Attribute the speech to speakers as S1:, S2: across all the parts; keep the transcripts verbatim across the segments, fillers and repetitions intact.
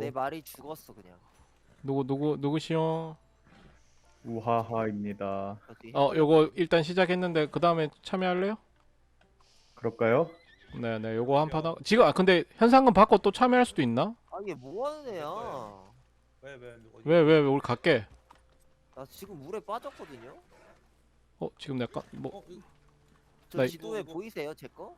S1: 내 말이 죽었어 그냥.
S2: 누구 누구 누구시오?
S3: 우하하입니다.
S1: 어디
S2: 어,
S1: 해골
S2: 요거 일단 시작했는데 그 다음에 참여할래요?
S3: 그럴까요?
S2: 네네, 요거 한 판 하고 지금 아 근데 현상금 받고 또 참여할 수도 있나?
S1: 아 이게 뭐하는 애야?
S4: 거예요. 왜, 왜, 어디?
S2: 왜 왜 왜 우리 갈게.
S1: 나 지금 물에 빠졌거든요.
S2: 어 지금 내가 뭐
S4: 어, 이거
S1: 저
S2: 나 이-
S1: 지도에
S4: 이거-
S1: 보이세요 제 거?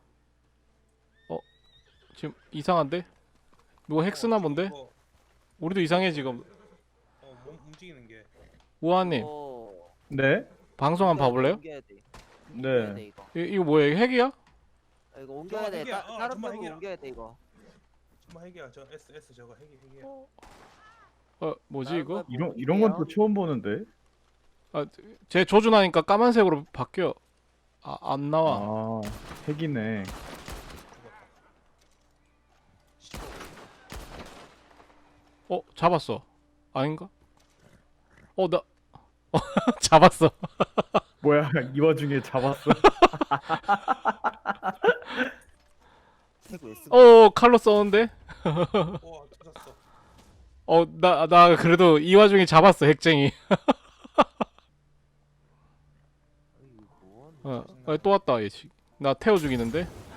S2: 지금 이상한데? 누가 핵쓰나 본데?
S4: 이거,
S2: 우리도 이상해 지금.
S4: 어, 몸 움직이는 게.
S2: 우아님
S1: 어...
S3: 네?
S2: 방송 한번 봐볼래요?
S1: 옮겨야 돼. 옮겨야 돼
S3: 네.
S1: 이거.
S2: 이, 이거 뭐야? 핵이야?
S1: 아, 이거 옮겨야 돼.
S4: 핵이야.
S1: 따,
S4: 어,
S1: 다른
S4: 정말
S1: 벽으로
S4: 핵이야.
S1: 옮겨야 돼 이거.
S4: 정말 핵이야. 저 S S 저거 핵이 핵이야.
S2: 어 뭐지
S1: 다른
S2: 이거?
S1: 거
S3: 이런 이런 건 또
S1: 옮길게요.
S3: 처음 보는데.
S2: 제 조준하니까 까만색으로 바뀌어. 아, 안 나와.
S3: 아, 핵이네.
S4: 죽었다.
S2: 어 잡았어. 아닌가? 어 나 잡았어.
S3: 뭐야, 이 와중에 잡았어.
S1: 태그 S.
S2: 어 칼로 썼는데?
S4: 와, 찾았어.
S2: 어 나 나 그래도 이 와중에 잡았어 핵쟁이.
S1: 이거 뭐하는
S2: 어, 어, 또 왔다 얘. 지- 나 태워 죽이는데.